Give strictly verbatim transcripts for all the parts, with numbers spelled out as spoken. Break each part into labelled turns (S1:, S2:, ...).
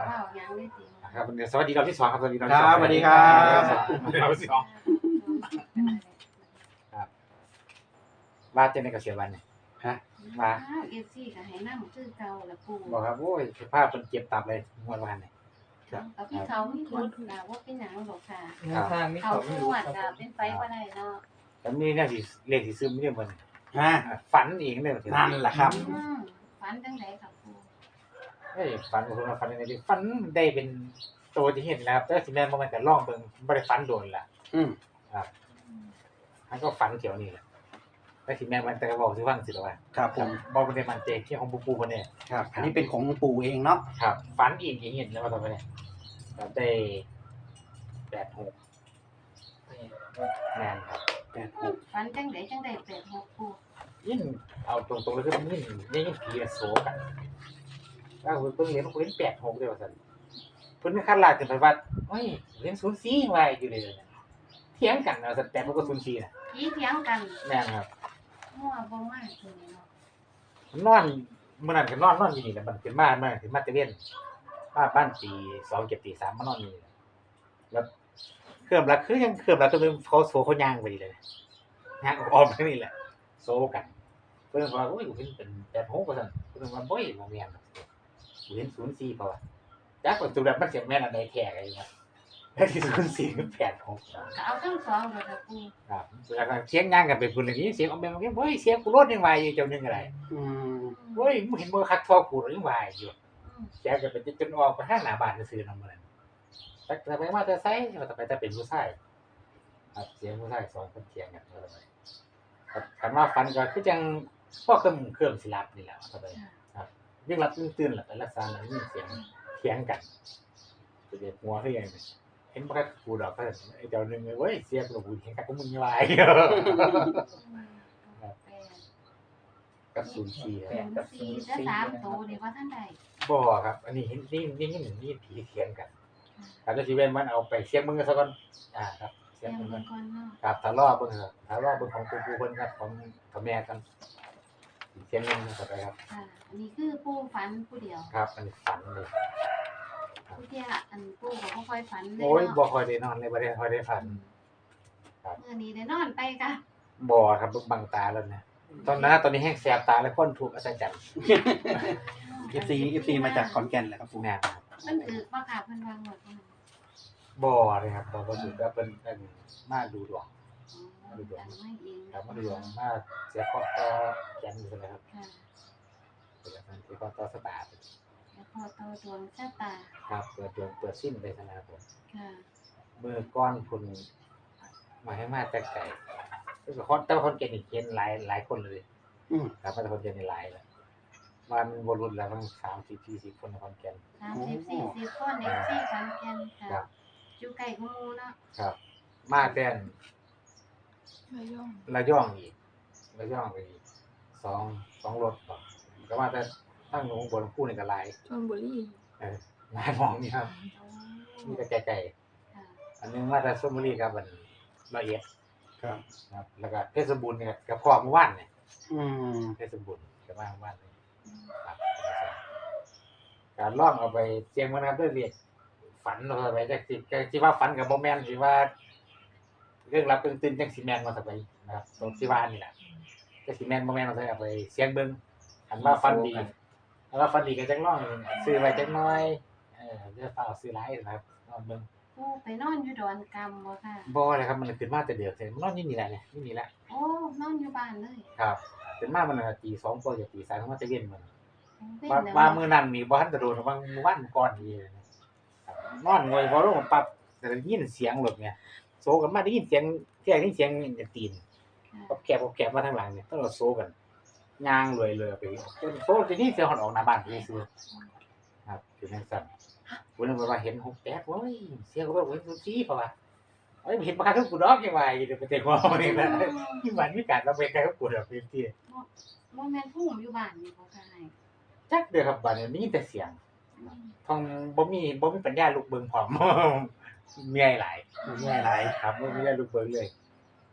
S1: ว้าวหยังเลยสิ
S2: ครับสวัสดีรอบที่สองครับสวัสดีรอบ
S3: ค
S2: ที่ส
S3: รั
S2: อง
S3: บสวัสดีครับ
S2: รอบที่สองว่าจะในเกษียณวันเนี่ย
S3: ฮะ
S2: มา
S1: เอฟซีก็ให้นำคือเก่าละปู
S2: บอกครับโอ้ยสภาพเป็นเจ็บตับเลยงวดวันเนี่ย
S1: กับพี่เขามีคนกล่าวว่าเป็นหยังหรอกค่ะ
S4: ทางนี้
S1: เขา
S4: เขาไม่
S1: ส
S4: รู้
S1: วด
S4: ครับ
S1: ก็เป็นไฟบ่ได้เนาะ
S2: แล้วมีเนี่ยสิเลขสิซึมเนี่ยมัน
S3: ฮะ
S2: ฝันอีกเนี่ย
S3: นั่นแหละครับ
S1: อืมฝันจังไดครับปู
S2: เฮ้ยฝันผมว่าฝันยังไงดีฝันได้เป็นตัวที่เห็นแล้วแต่สิแม่นบ่แม่นก็ลองเบิ่งบ่ได้ฝันโดนล่ะ
S3: อืม
S2: ครับมันก็ฝันเกี่ยวนี่แหละแต่สิแม่นมันแต่ก็เว้าสิฟังสิล่ะว่า
S3: ครับผม
S2: บ่บ่ได้มั่นใจที่ของปู่ปู่เพิ่นเนี่ย
S3: ครับ อันนี้เป็นของปู่เองเนาะ
S2: ครับฝันอีกอย่างเห็นแล้วว่าทำไมเนี่ยเราได้แปดหกแมนครับ
S3: แปดหก
S1: ฝันจังไดจังไดแปดหกปู
S2: ยิ่งเอาตรงๆเลยคือมันยิ่งยิ่งผีโซกันถ้าเพิ่งเรียนเพิ่งแปดหกเดียวสันเพิ่นขั้นลาดขึ้นไปว่าเฮ้ยเรียนศูนย์สี่ไว้อยู่เลยเถียงกันเอาสันแต่มันก็ศูนย์สี่นะ
S1: ผีเถียงกัน
S2: แม่นครับ
S1: มั่วบ่มากเลยเนาะ
S2: นอนเมื่อนั้นก็นอนนอนอยู่นี่แหละมันเป็นบ้านมาถึงมาตะเวนมาบ้านตีสองเก็บตีสามมานอนนี่แล้วเครื่องรักคือยังเครื่องรักตัวนึงเขาโซเขาย่างไปเลยย่างออกไปนี่แหละโซกันเพิ่นว่าโอ้ยกูเห็นเป็นแปดหกว่าซั่นเพิ่นว่าบ่ยบ่แม่นกูเห็นศูนย์สี่เพราะว่าจักว่าตัวแบบมันสิแม่นอันใดแท้กันอยู่ว่าแล้วที่ศูนย์สี่คือแปดหก
S1: ก็เอาทั้งสองเลยครับปู
S2: ครับแล้วก็เสียงย่างกันเป็นพุ่นอย่างนี้เสียงออกแบบว่าโอ้ยเสียงกูรถยังว่าอยู่เจ้านึงอะไร
S3: อืม
S2: โอ้ยมึงเห็นบ่คักทอกูยังว่าอยู่
S1: อืม
S2: แกก็ไปจนออกไปทางหน้าบ้านซื่อๆนำมันแต่แต่ไปมาแต่ไสว่าแต่ไปแต่เป็นผู้ชายครับเสียงผู้ชายสองคนเถียงกันว่าแต่ไปครับคันว่าฟันก็คือจังพ่อเครื่องเครื่องสิรับนี่แหละว่าแต่ไปครับยิ่งรับยิ่งตื่นล่ะไปรักษาแล้วยิ่งเสียงเถียงกันจะเด็ดหัวคือหยังนี่เห็นบ่คักกูดอกเพิ่นไอ้เจ้านึงเว้ยเสียงกูกูเถียงกันกูมึงยังว่าอยู่
S1: แปด
S2: กับศูนย์สี่ครับ
S1: กับสี่และสามโตนี่ว่าท่านใด
S2: บ่ครับ อันนี้เห็นนี่นี่นี่นี่ผีเถียงกันครับแล้วสิเว้นมันเอาไปเสียงมึงซะก่อนอ่าครับเสี
S1: เสี
S2: ย
S1: ย
S2: ง
S1: ง
S2: มึง
S1: มั
S2: ก่อน
S1: นก่อนเนาะ
S2: ครับถ้ารอเบิ่งครับถ้ารอเบิ่งของปู่ปู่เพิ่นครับของของแม่กันเสียงนึงเข้าไปครับ
S1: ค่ะอันนี้คือปูฝันผู้เดียว
S2: ครับอันนี้ฝันเลย
S1: ผู้เที่ยอันปูก็บ่ค่อยฝันเลย
S2: โอ้ย
S1: เนาะ
S2: บ่ค่อยได้นอนเลยบ่ได้ค่อยได้ฝัน ครับ
S1: เมื่อนี้ได้นอนไปค่ะ
S2: บ่ครับบังตาแล้วนะตอนนั้นตอนนี้แห้งแสบตาแล้วคนถูกอัศจรรย์
S3: เอฟซีเอฟซีมาจากขอนแก่นแหละครับปู่
S2: แม่นครับ
S1: มันถือว่าค่ะเพิ่นวางหมดเพิ่น
S2: บ่เลยครับบ่บ่ถูกก็เพิ่นเพิ่นมาดูดวง
S1: อ๋อจังไม่เอง
S2: ครับมาดูดวงมาเสียข้อต่อแขนอยู่นะครับ
S1: ค่ะ
S2: เป็นการที่ข้อต่อสตาร์ท
S1: แล้วพอต่อดวงชะตา
S2: ครับเปิดดวงเปิดสิ้นไปซะนะครับผม
S1: ค่ะ
S2: เมื่อก้อนคุณมาให้มาแต่ไก่ก็คือคนแต่ว่าคนเก่งอีกเห็นหลายหลายคนเลย
S3: อืม
S2: ครับแต่คนเก่งในหลายแล้วมันบรุษแล้วมันสามสิบสี่สิบคนในคนเก่ง
S1: สามสิบสี่สิบคนเอฟซีขอนแก่น
S2: ครั
S1: ค่ะ
S2: บ
S1: อยู่ใกล้กูมูเนาะ
S2: ครับ มาแต้น
S4: ระยอง
S2: ระย่องอีกระย่องไปอีกสองสองรถก่อนก็ว่าแต่ตั้งหนูบนคู่ในกระไร
S4: ชลบุรี
S2: เออหลายหมองนี่ครับ
S1: โอ้
S2: มีแต่ไก่
S1: ค่ะ
S2: ๆอันนึงมาแต่ส้มบุรีครับมันละเอียด
S3: ครับ
S2: ครับแล้วก็เพชรบูรณ์เนี่ยกับพ่อเมื่อวานเนี่ย
S3: อืม
S2: เพชรบูรณ์กับมาเมื่อวานเลยครับการล่องเอาไปเสียงมันครับด้วยเรียกฝันเอาไปจากสิจากที่ว่าฝันกับโมแมนที่ว่า เรื่องรับเรื่องตื่นจากซีแมนมาสักไปนะครับตรงที่ว่านี่แหละจากซีแมนโมแมนมาสักไปเสียงเบิ้งอันว่าฟันดีอันว่าฟันดีก็จังล่องซื้อไว้จังน้อยเออจะฝากซื้อหลายนะครับนอนเบิ้ง
S1: ปูไปนอนอยู่ดอนกำบ่ค่ะ
S2: บ่เลยครับมันขึ้นมาแต่เดือดเลยมันนอนนี่นี่แหละเนี่ยนี่นี่แหละ
S1: โอ้นอนอยู่บ้านเลย
S2: ครับขึ้นมามันน่ะตีสองกว่าจะตีสามมันจะเย็นมัน
S1: เป็น
S2: ว่า
S1: แล้ว
S2: ว่ามื้อนั้นนี่บ่ทันจะโดนว่ามื้อวันก่อนนี่นะครับนอนงอยพอลงปั๊บแต่ได้ยินเสียงรถเนี่ยโซกันมาได้ยินเสียงเที่ยงได้ยินเสียงตีน
S1: ค่ะ
S2: กับแกบกับแกบมาทางหลังเนี่ยต้องเราโซกันย่างรวยเลยไปจนโซจะนี่เสียงหอนออกหน้าบ้านไปซื้อครับคือจังซั่นวันนั้นว่าเห็นหกแตกโอ้ยเสียงก็ว่าโอ้ยสุดซี่เพราะว่าเอ้ยเห็นบ่คักคือกูดอกยังว่าอยู่เดี๋ยวไปเตะหัวมันนี่แหละที่บ้านมีการระเบิดกันกับกูดอกพื้นที่
S1: บ่แม่นผู้ผมอยู่บ้านนี่บ่ค่ะให้
S2: จักเด้อครับบ้านนี้มีแต่เสียง ทองบ่มีบ่มีปัญญาลูกเบิงพร้อม เมื่อยหลาย
S3: ไม่ใช่อะไร
S2: ครับบ่มีปัญญาลูกเบิงเลย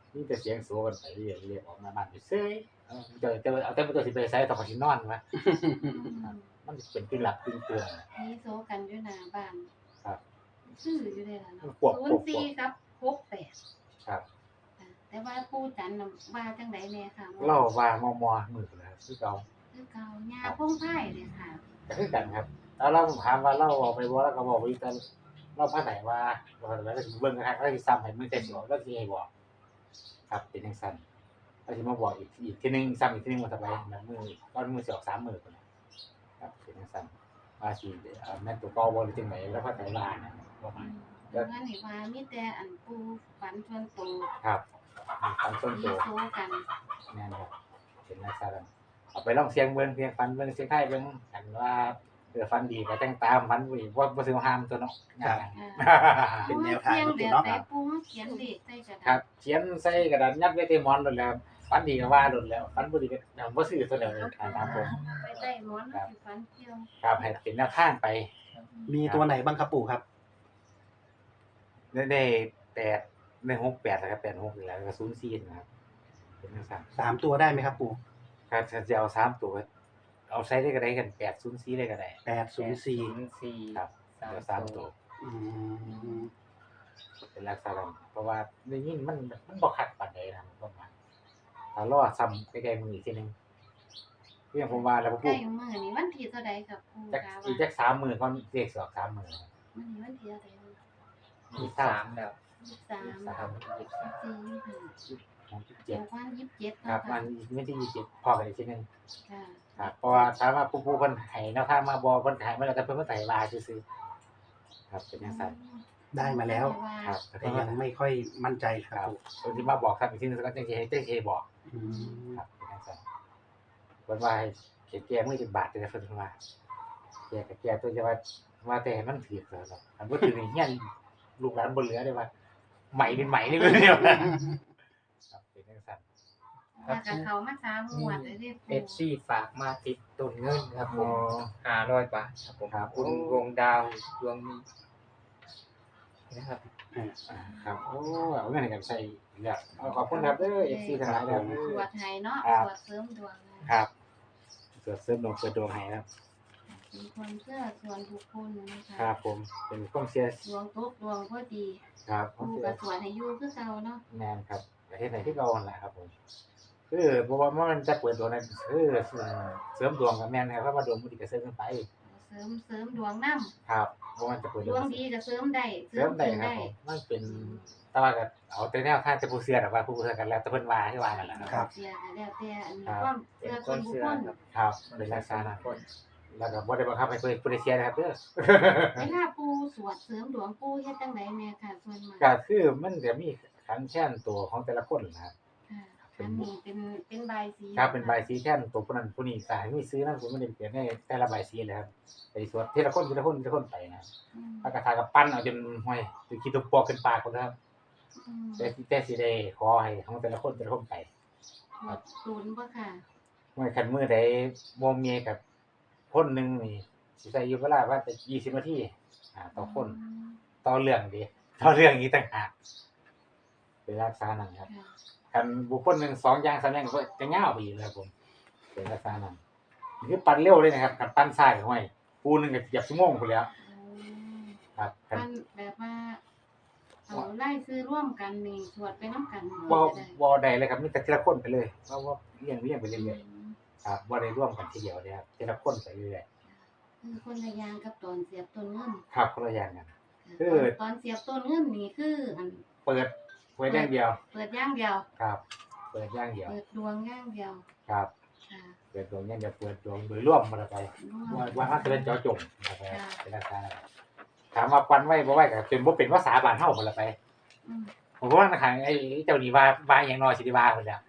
S2: มีแต่เสียงโซกันไปเรื่อยเรียกออกมาบ้านอยู่เซ้ยเออเจอเจอเอาแต่ตัวสิไปใส่ต้องขอสินอนวะ
S1: อืม
S2: มันสิเป็นกึ่งหลับกึ่งตื่นนะ
S1: มีโซกันอยู่หน้าบ้าน
S2: ครับ
S1: ซื้ออยู่เลยล่ะเนาะ
S2: พวก
S1: ศู
S2: พวน ก
S1: ย์สี่ครับหกแปด
S2: ครับ
S1: ค่ะแต่ว่าปู่จันทร์น่ะว่าจังไดแน่ค่ะ
S2: เล่าว่ามอมอมือแล้วคือเก่า
S1: คือเก่าหญ้าพงไผ่เลยค่ะ
S2: ก็คือกันครับแล้วเราถามว่าเราออกไปบ่แล้วก็บอกว่าแต่เราพาไหนว่าเราแล้วก็สิเบิ่งกันแล้วสิซ้ำให้มือแต่สิออกแล้วสิให้บอกครับเป็นจังซั่นแล้วสิมาบอกอีกอีกทีนึงซ้ำอีกทีนึงว่าจะไปแบบมือก่อนมือสิออกสามมื้อพุ่นน่ะครับเป็นจังซั่นว่าสิเอ่อแม่นตัวเก่าบ่หรือจังไดแล้วพาไหนว่านะประมาณ
S1: เดี๋ยวนั้นนี่ว่ามีแต่อันปู่ฝันชวนโต
S2: ครับตามต้น
S1: มี
S2: ตัว
S1: โซกัน
S2: แม่นครับเป็นลักษณะเอาไปลองเสียงเบิ่งเสียงฟันเบิ่งเสียงไทยเบิ่งกันว่าเออฟันดีก็แต่งตามฟันบ่ดีบ่บ่สิห้ามตัวเนาะ
S3: ครับ
S1: ค่ะ
S3: เป็นแนวทาง
S1: เขียน
S3: ของ
S1: แบ
S3: ปู่
S1: บ
S3: เนาะ
S1: ไหนปู่มาเขียนเลขใส่กระ
S2: ครั
S1: ดา
S2: บ
S1: ษ
S2: เขียนใส่กระดาษยัดไว้ที่หมอนโดนแล้วฟันดีก็ว่าโดนแล้วฟันบ่ดีก็บ่ซื้อตัวเดียวเลยตามผม
S1: ไปใต้หมอนแล้วสิฝันเกี่ยว
S2: ครับให้เป็นแนวทางไป
S3: มีตัวไหนบ้างครับปู่ครับ
S2: ได้ได้แปดได้หกแปดนะครับแปดหกนี่แหละแล้วก็ศูนย์สี่นะครับเป็นจังซั่น
S3: สามตัวได้ไหมครับปู่
S2: ครับถ้าจะเอาสามตัวเอาใช้ได้ก็ได้กันแปดศูนย์สี่ได้ก็ได้
S3: แปดศูนย์สี่
S5: สี่
S2: ครับเดี๋ยวสามตัว
S3: อืม
S2: เป็นลักษณะนั้นเพราะว่าในนี้มันมันบ่คักปานใดนะประมาณถ้ารอซ้ำใกล้ๆมืออีกทีหนึงเรื่องผมว่าแล้วผม
S1: ใก
S2: พู
S1: ล้
S2: ด
S1: มื้อนี้วันที่เท่าใดครับปู่
S2: จัก
S1: กา
S2: อี
S1: ว่าก
S2: จักสามมื้อก่อนเลขสอกสามมื้อ
S1: มื้อนี้วันที่เท่าใด
S5: ยี่สิบสามแล้ว
S1: ยี่สิบสาม
S5: สามยี่สิบสาม
S1: สี่ยี่สิบห้า
S2: ของที่
S1: เจ็
S2: เจ็
S1: ด
S2: ด
S1: วันยี่สิบเจ็ด
S2: ครับ
S1: เนาะ
S2: วั
S1: ค่ะ
S2: นวันที่ยี่สิบพอกันอีกทีหนึง
S1: ค่ะ
S2: ครับเพราะว่าถามว่าผู้ผู้เพิ่นให้แนวทางมาบ่เพิ่นให้มาแล้วแต่เพิ่นบ่ให้ว่าซื่อๆครับเป็นจังซั่น
S3: ได้มาแล้ว
S2: ครับ
S3: แต่ยังไม่ค่อยมั่นใจค
S2: ครั
S3: รั
S2: บบ
S3: ปู่
S2: เพิ่นสิมาบอกครับอีกทีหนึงก็จังสิให้จังสิให้บอก
S3: อืม
S2: ครับเป็นจังซั่นเพิ่นว่าให้เขียนแก้มือสิบบาทเด้อเพิ่นว่าแก้ก็แก้ตัวจะว่าว่าแต่ให้มันถูกแล้วเนาะอันบ่ถูกนี่เฮียนลูกหลานบ่เหลือได้ว่าไหมเป็นไหมนี่เลยเนี่ยครับเป็นจังซั่น
S1: ว่ากับเขามาสามงวดเลยเด้
S5: เอ
S1: ปู่
S5: ฟซีฝากมาติดตุนเงินครับผ
S2: อ๋อ
S5: มห้าร้อยบาทครับผม
S2: ครับ
S5: คุณวงดาวดวงมีนะครับ
S2: อ่าครับโอ้เอาเงินให้กันใช้อีกแล้วเอาขอบคุณครับเด้อ เอฟ ซี ทั้งหลายแล้ว
S1: สวดให้เนาะ
S2: ครับ
S1: สวดเสริมดวงนะ
S2: ครับเกิดเสริมดวงเกิดดวงให้ครับ
S1: เป็นคนเชื่อส่วนบุคคลนะคะ
S2: ครับผมเป็นความเสีย
S1: ดวงตกดวงพอดี
S2: ครับความ
S1: ปู่
S2: เสีย
S1: ก็สวดให้อยู่คือเก่าเนาะ
S2: แมนครับประเทศไหนที่เก่าหั่นแหละครับผมคือบ่ว่ามันจะเปิดดวงนั้นคือเสริมดวงกับแม่นครับเพราะว่าดวงบ่ดีก็เสริมกันไป
S1: เสริมเสริมดวงนำ
S2: ครับบ่ว่ามันจะเปิด
S1: ด
S2: ดว
S1: ว
S2: ง
S1: งดีก็เสริมได้
S2: เสริมได้ครับผมมันเป็นแต่ว่าก็เอาแต่แนวทางแต่ผู้เชื่อน่ะว่าผู้เชื่อกันแล้วแต่เพิ่นว่าคือว่านั่นแหละ
S1: ค
S2: ค
S1: รั
S2: รั
S1: บบ เสียก็แล้วแต่อันนี้
S2: ครับ
S1: ความ
S5: เป็
S1: เชื่
S5: น
S1: อ
S5: ค
S1: ส่วน
S5: น
S1: บุค
S5: เชื่อ
S1: คล
S5: ครับ
S2: ครับเป็นลักษณะนั้นแล้วก็บ่ได้บังคับให้เพิ่นผู้ใดเชื่อนะครับเด้อ
S1: เวลาปู่สวดเสริมดวงปู่เฮ็ดจังไดแม่ค่ะส่วนมาก
S2: ก็คือมันจะมีขันแช่นตัวของแต่ละคนนะครับ
S1: ค่ะอันนี้เป็นเป็นใบายสี
S2: ครับเป็นใบสีแช่นตัวผู้นั้นผู้นี้สายมีซื้อนั่นผมไม่ได้เปลี่ยนในแต่ละใบสีเลยครับไปสวดทีละคนทีละคนทีละคนไปนะ
S1: อืม
S2: พระกระทากับปั้นเอาจนห้อยจนคิดตัวปอกขึ้นปากคนนะครับ
S1: อืม
S2: แต่แต่สีได้ขอให้ของแต่ละคนแต่ละคนไป
S1: สวดศูนย์บ่ค่ะ
S2: เมื่อคันมือใดโมเมียกับคนหนึ่งนี่สิใส่อยู่เวลาว่าจะยี่สิบนาทีอ่าต่อคนต่อเรื่องดีต่อเรื่องนี้ต่างหากเป็นรักษานั่นครับ
S1: ค่ะ
S2: กันบุคคลหนึ่งสองอย่างสามอย่างก็จะเง่าวไปอีกเลยครับผมเป็นลักษณะนั้นนี่คือปั่นเร็วเลยนะครับกันปั่นซ้ายห้อยปูหนึงก็เหยียบชั่วโมงไปแล้ว
S1: อืม
S2: ครับคัน
S1: มันแบบว่าเอาไล่ซื้อร่วมกันนี่สวดไปน้ำกัน
S2: บ่
S1: จะได้
S2: บ่ได้เลยครับมีแต่ทีละคนไปเลยเพราะว่าเลี้ยงเลี้ยงไปเรื่อยๆครับบ่ได้ร่วมกันทีเดียวเลยครับทีละคนไปเรื่อย
S1: คือคนละอย่างกับตอนเสียบต้นเงิน
S2: ๆครับคนละอย่างกัน คือ
S1: ตอนตอนเสียบต้นเงินนี่คืออัน
S2: เปิดเปิดอย่างเดียว
S1: เปิดอย่างเดียว
S2: ครับ เปิดอย่างเดียว
S1: เปิดดวงอย่างเดียว
S2: ครับ
S1: ค่ะ
S2: เปิดดวงอย่างเดียวเปิดดวงโดยร่วมมาไป
S1: ร่ว
S2: ว่าม ว่ามันจะเป็นเจาะจงนะครับ
S1: ค่ะ
S2: เป็นลักษณะนั้นถามว่าปันไว้บ่ไว้ก็จนบ่เป็นภาษาบ้านเฮาพุ่นละไป
S1: อืม
S2: ผมว่าทางไอ้เจ้านี่ว่าว่าอย่างน้อยสิได้ว่าพุ่นแหล้ว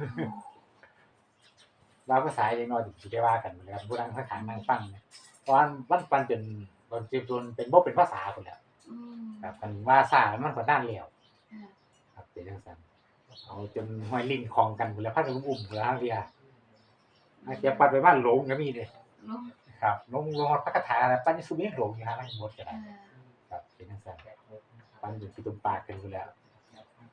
S2: ว่าภาษาอย่างน้อยสิได้ว่ากันพุ่นแหล้วผู้นั่งข้างๆนั่งฟังเนี่ยเพราะว่ามันปันจนจนจนเป็นบ่เป็นภาษาพุ่นแหล้ว
S1: อืม
S2: ครับคันว่าซ่ามันก็นานแล้ว
S1: ค่ะ
S2: ครับเป็นจังซั่นเอาจนห้อยลิ้นคองกันพุ่นแล้วพัดอุ้มพุ่นแล้วทางเดียอาเสียปัดไปบ้านหลงก็มีเด้
S1: เนาะ
S2: ครับลงลงพระคาถาแล้วปันสุเมฆหลงอยู่ฮะทั้งหมดก็ได้
S1: ค่ะ
S2: ครับเป็นจังซั่นปันอยู่ที่ตุ่มปากกันพุ่นแล้ว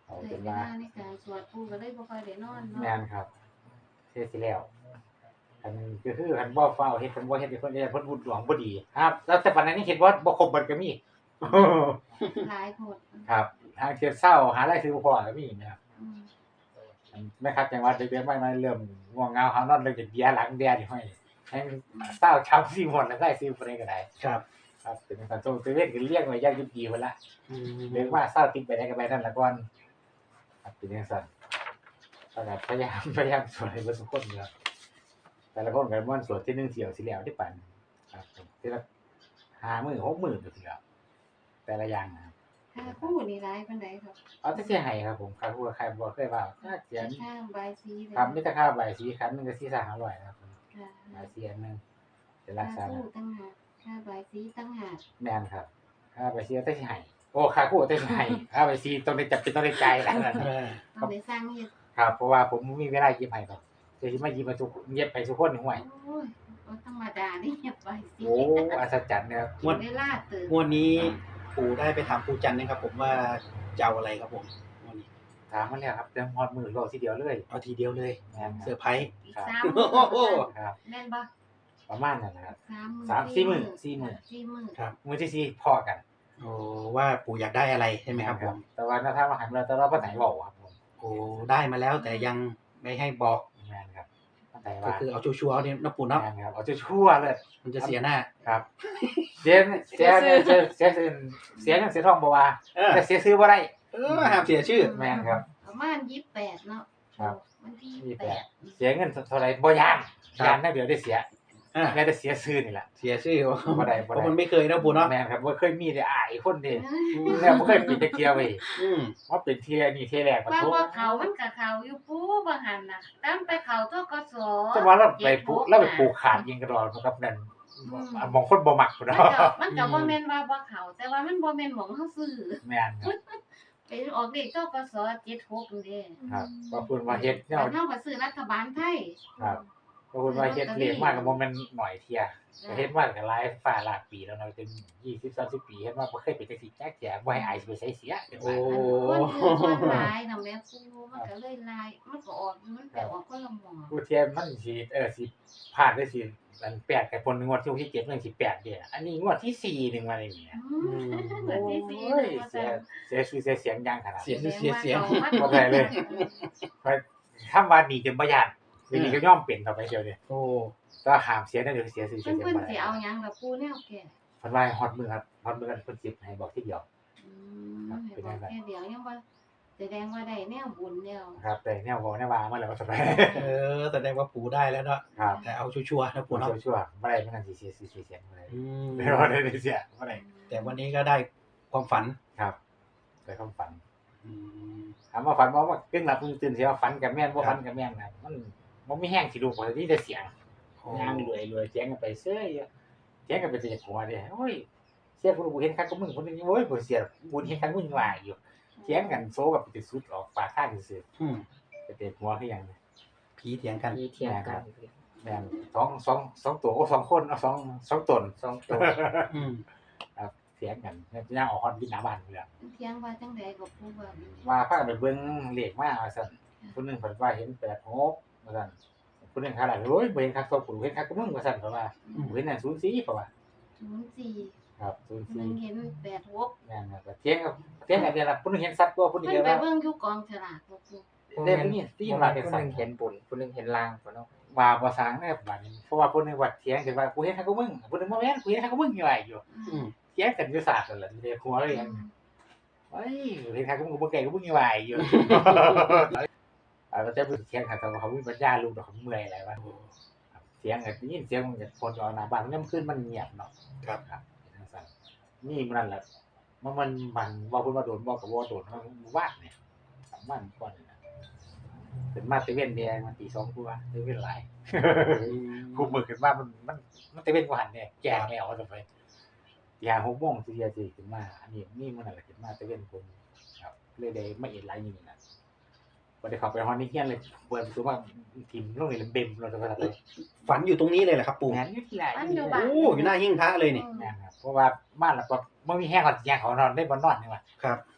S2: เอา
S1: ใช้
S2: เป็น
S1: เว
S2: ว่า
S1: ลาในการสวดปู่ก็เลยบ่ค่อยได้นอนเนาะ
S2: แม่นครับเฮ็ดสิแล้วอันก็คือคันบ่ฟ้าวเฮ็ดคันบ่เฮ็ดให้เพิ่นได้เพิ่นบุญหลวงบ่ดีครับแล้วแต่ปานนั้นนี่เฮ็ดบ่บ่ครบเบิดก็มี
S1: หลายโพด
S2: ครับทางเที่ยวเช้าหารายซื้อบ่พอก็มีนะครับ
S1: อืม
S2: อันแม่ครับจังหวัดเด็กๆมามาเริ่มง่วงเหงาหานอนเลยจะเบียร์หลังแดดนี่ห้อยให้เช้าช้ำสิหมดแล้วได้ซื้อบ่ได้ก็ได้
S3: ครับ
S2: ครับเป็นการส่งตะเวนก็เรียกไว้อย่างดีพุ่นละ
S3: อืม
S2: เรียกว่าเช้าติดไปได้ก็ไปนั่นละก่อนครับเป็นจังซั่นก็พยายามพยายามสวดให้เบิดทุกคนครับแต่ละคนก็ม่วนสวดที่หนึ่งเที่ยวสิแล้วที่ปันครับทีละห้ามื้อหกมื้อก็สิแล้วแต่ละอย่างนะครับ
S1: ค่าคู่นี่หลายปานใดครับ
S2: เอาแต่สิให้ครับผมครับผู้ใครบ่เคยว่าถ้าเขียน
S1: ค่าใบายสีเลย
S2: ครับมีแต่ค่าใบสีคันนึงก็สี่ห้าร้อยครับผม
S1: ค่ะ
S2: ใบสีอันนึงเป็นรั
S1: ค่าก
S2: ษา
S1: คู่ตั้งหากค่าใบายสีตั้งหาก
S2: แม่นครับค่าใบสีแต่สิให้โอ้ค่าคู่แต่สิให้ค่าใบสีต้องได้จับเป็นต้องได้จ่ายแล้วนั่น
S3: เออ
S1: ต้องได้สร้างเฮ็ด
S2: ครับเพราะว่าผมบ่มีเวลาเย็บให้ครับจะสิมาเย็บให้ทุกเย็บให้ทุกคนห่วย
S1: โอ้ยบ่ธรรมดานี่ใบายสี
S2: โอ้อัศจรรย์นะครับ
S1: กินเวลาตื่น
S3: งวดนี้ปู่ได้ไปถามปู่จันทร์นะครับผมว่าจะเอาอะไรครับผมงวดนี้
S2: ถามมาแล้วครับเต็มฮอดมือรอทีเดียวเลย
S3: เอาทีเดียวเลย
S2: แม่นค
S3: เซอ
S2: รับ
S3: ร์ไพรส์
S1: อีก
S2: ครับ
S1: สามมื้อ
S3: โอ้โห
S2: ครับ
S1: แม่นบ่
S2: ประมาณนั้นนะครับ
S1: สามมื้อ
S2: สามสี่มื้อสี่มื้อ
S1: สี่มื้อ
S3: ครับ
S2: มื้อที่สี่พอกัน
S3: โอ้ว่าปู่อยากได้อะไรใช่ไหมครับผม
S2: แต่ว่าถ้าทางมาหันเราแต่เราบ่ไหนเว้าครับผม
S3: โอ้ได้มาแล้วแต่ยังไม่ให้บอก
S2: แม่นครับบ่ไหน
S3: ก็
S2: ว่า
S3: คือเอาชัวร์ๆเอาเนี่ยนะปู่เนาะ
S2: แม่นครับเอาชั่วๆเลย
S3: มันจะเสียหน้า
S2: ครับเสียเสียเสียเสียเสียเสียเสียเงินเสียทองบ่ว่า
S3: เออ
S2: แต่เสียซื้อบ่ได้
S3: เออห้ามเสียชื่อ
S2: แม่นครับ
S1: ประมาณยี่สิบแปดเนาะ
S2: ครับ
S1: วันที่
S2: ยี่
S1: ยี่
S2: สิ
S1: สิ
S2: บบ แป
S1: แป
S2: ด
S1: ด
S2: เสียเงินเท่าไหร่บ่ยาน
S3: ครับ
S2: ยานได้เดี๋ยวได้เสีย
S3: อ่า
S2: แม้แต่เสียซื้อนี่แหละ
S3: เสียชื่อ
S2: บ่ได้บ่
S3: เพ
S2: ได้
S3: ราะมันไม่เคยนะปู่เนาะ
S2: แม่นครับบ่เคยมีได้อายคนเด้แล้วบ่เคยเป็นตะเกียบเว้ย
S3: อืม
S2: ว่าเป็นเที่ยนี่เที่ยแรกมา
S1: ว่า
S2: โท
S1: ว่าเขามันกับเขาอยู่ปูบางหันน่ะตามไปเขาทกส
S2: จังว่าเราไปผูกเราไปผูกขาดยิงกระดอนกับนั่นมองคนบ่มักพุ่น
S1: มัน
S2: เนาะ
S1: ก็มันก็บ่แม่นว่าบ่เขาแต่ว่ามันบ่แม่นหม่องเฮาซื้อ
S2: แม่นครับ
S1: ไปออกเลขทกสเจ็ดหกนี่เด้
S2: ครับว่าเพิ่นว่าเฮ็ดแนว
S1: บ้านเฮาก็ซื้อรัฐบาลไทย
S2: ครับว่าเพิ่นว่าเฮ็ดเลขมากก็บ่แม่นหน่อยเที่ย ก็เฮ็ดมาก็หลายฟ้าหลายปีแล้วเนาะจนยี่สิบ สามสิบปีเฮ็ดมาบ่เคยเป็นจังซี่จักเที่ยบ่ให้อายสิไปใช้เสียจัง
S3: โอ้
S2: ว่า
S1: คนคือคนหลายน่ะแม่ปูมันก็เลยหลายมันก็ออกมันไปออกคนละหม่อง
S2: ผู้เที่ยมันสิเออสิพลาดได้สิอันแปดกับคนงวดที่เจ็ดมันสิแปดเด้ออันนี้งวดที่สี่นึงมานี่แหม
S1: อืมเหมือนที่สี่
S2: โอ้ย
S1: ว่า
S2: เสี
S1: ซั่
S2: ย
S1: น
S2: เสียชื่อเสียเสียงอย่างขนาด
S3: เสีย
S2: นี้
S3: เสียเสีย
S2: บ่ได้เลย คำว่านี่จนบ่ย่านทีนี้ก็ยอมเป็นต่อไปเดียวเด้
S3: โอ้
S2: ก็ห้ามเสียได้เดี๋ยวเสียชื่อเสี
S1: เพิ่
S2: ย
S1: น
S2: เสียง
S1: เพิ่น
S2: บ่
S1: สิ
S2: ได้
S1: เอาหยังกับปูแนวแก่
S2: เพิ่นว่าฮอดมือครับฮอดมือกันเพิ่นสิให้บอกทีเดียว
S1: อืมให้บอกแค่เดียวยังบ่แสดงว่าได้แนวบุญแล้ว
S2: ครับแต่แนวบ่แนวว่ามาแล้วก็สบาย
S3: เออแสดงว่าปู่ได้แล้วเนาะ
S2: ครับ
S3: แต่เอาชัวร์ๆนะ
S2: ปว
S3: ปู่
S2: ด
S3: เนาะ
S2: ชั่วๆบ่ได้มันกันสิเสียสิเสียงบ่ได้
S3: อืม
S2: ไม่ว่าได้เสียบ่ได้
S3: แต่วันนี้ก็ได้ความฝัน
S2: ครับได้ความฝัน
S3: อืม
S2: ถามว่าฝันบ่ว่ากึ่งหลับกึ่งตื่นสิว่าฝันกับแม่นบ่ฝันกับแม่นนะมันบ่มีแห้งสิลูกบ่ได้แต่เสียง ย่างรวยรวยเสียงกันไปเซ้ยเสียงกันไปเสียหัวเด้โอ้ยเสียกูเห็นคักก็มึงคนนึงโอ้ยบ่เสียกูเห็นคักมึงว่าอยู่เสียงกันโซกับไปสุดออกปากข้างซื่อ
S3: อืม
S2: ไปเตะหัวคือหยัง
S3: ผีเถียงกัน
S5: มีเทียงกัน
S2: แม่นสองสองสองตัวโอ้สองคนเอาสองสองตน
S5: สองตัว
S3: อืม
S2: ครับเสียงกันย่างออกฮอดวินหน้าบ้านพุ่นแหละ
S1: เที่ยงว่าจังได๋ก็ปูว่า
S2: ว่าพากันไปเบิ่งเลขมาว่าซั่นผู้นึงเพิ่นว่าเห็นแปดหกว่าซั่นผู้นึงขนาดโอ้ยบ่เห็นคักตัวกูเห็นคักก็มึงว่าซั่นเพิ่นว่าเห็นนั่นศูนย์สี่เพิ่นว่า
S1: ศูนย์สี่
S2: ครับศูนย์
S1: มั
S2: สี่
S1: นเห็นแปดหก
S2: แม่นครับเถียงกับเถียงกันเดียวล่ะผู้นึงเห็นสัตว์ตัวผู้นึง
S1: เพิ่น
S2: เห็น
S1: ไป
S2: ว่า
S1: เบิ่งอยู่กองฉลากบ่ปู
S2: เล่มนี้ที่
S5: ผู้
S2: มา
S5: ห
S2: เป็น
S5: นึ่
S2: สัต
S5: ง
S2: ว์
S5: เห็นบุญผู้หนึ่งเห็นลางผู้เนาะ
S2: ว่าบ่สร้างแน่บัดนี้เพราะว่าผู้นึงว่าเถียงกันว่ากูเห็นคักก็มึงผู้นึงบ่แม่นกูเห็นคักก็มึงอยู่ว่าอยู่
S3: อืม
S2: เถียงกันอยู่ศาสตร์นั่นแหละเด้หัวเลยหยังเฮ้ยเห็นคักก็มึงกูบ่แก่ก็มึงอยู่ว่าอยู่อ่าแล้วแต่ผู้เถียงกันแต่ว่าเขามีปัญญาลูกดอกเขาเมื่อยหลายว่าเถียงกันได้ยินเสียงมันจะคนออกหน้าบ้านมันคืนมันเงียบเนาะ
S3: ครับ
S2: ครับจังซั่นนี่มันนั่นแหละมันมันมันว่าเพิ่นว่าโดนบ่ก็บ่โดนมันว่างเนี่ยสามวันก่อนนี่นะเป็นมาตะเวนแดงมันตีสองกว่าตะเวนหลาย คุมมือขึ้นมามันมันมันตะเวนกว่าหันเนี่ยแก่แนวว่าจะไปตีห้าหกโมงสิเดียวสิขึ้นมาอันนี้นี่มันนั่นแหละขึ้นมาตะเวนผมครับเลยได้มาเห็นหลายอย่างนี่นะบ่ได้เข้าไปฮอดนี่เฮียนเลยเปิดประตูมาทิ่มลงนี่เลยเบมเราจะไปทำไม
S3: ฝันอยู่ตรงนี้เลยเหรอครับปู่
S2: งานอยู่ที่ไหน
S1: อันอยู่บ้าน
S3: โอ้อยู่หน้าหิ้งพระเลยนี่
S2: งานครับเพราะว่าบ้านเราก็บ่มีแห้งก่อนแยงเขานอนได้บ่นอนนี่ว่า
S3: ครับ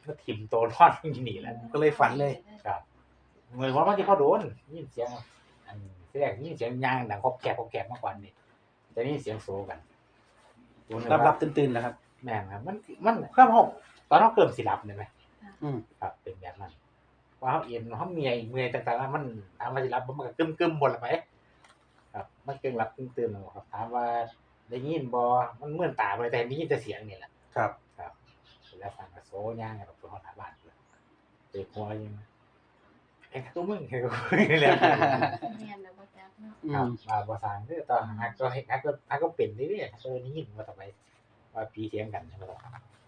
S2: มาถิ่มโตนอนอยู่นี่แหละ
S3: ก็เลยฝันเลย
S2: ครับเหมือนว่ามันที่พ่อโดนยินเสียงอันที่แรกยินเสียงยางดังครบแกบครบแกบมากกว่านี่แต่นี่เสียงโซกัน
S3: รับรับตื่นๆนะครับ
S2: แม่นครับมันมันเครื่องห้องตอนเราเริ่มสิหลับเนี่ยไหม
S3: อืม
S2: ครับเป็นแบบนั้นว่าเขาเอ็นเขาเมียเมื่อยต่างๆแล้วมันถามว่าสิหลับมันก็กึมกึมๆหมดละไหมครับมันเกิงหลับกึ่งตื่นครับถามว่าได้ยินบ่มันเหมือนตาไปแต่ได้ยินแต่เสียงนี่แหละ
S3: ครับ
S2: ครับแล้วฟังกับโซย่างกับตัวเขาถาบ้านเลยเด็กหัวยังไอ้ตัวมึงไอ้ตัวนี่แหละ
S1: เรียนแล้วบ่จักเนาะ
S3: อื
S2: ครับ
S3: ม
S2: มาภาษาคือตอนฮักก็ฮักก็ฮักก็เป็นเรื่อยๆก็นี่ยินมาต่อไปว่าปีเทียงกันใช่ไหมล่ะ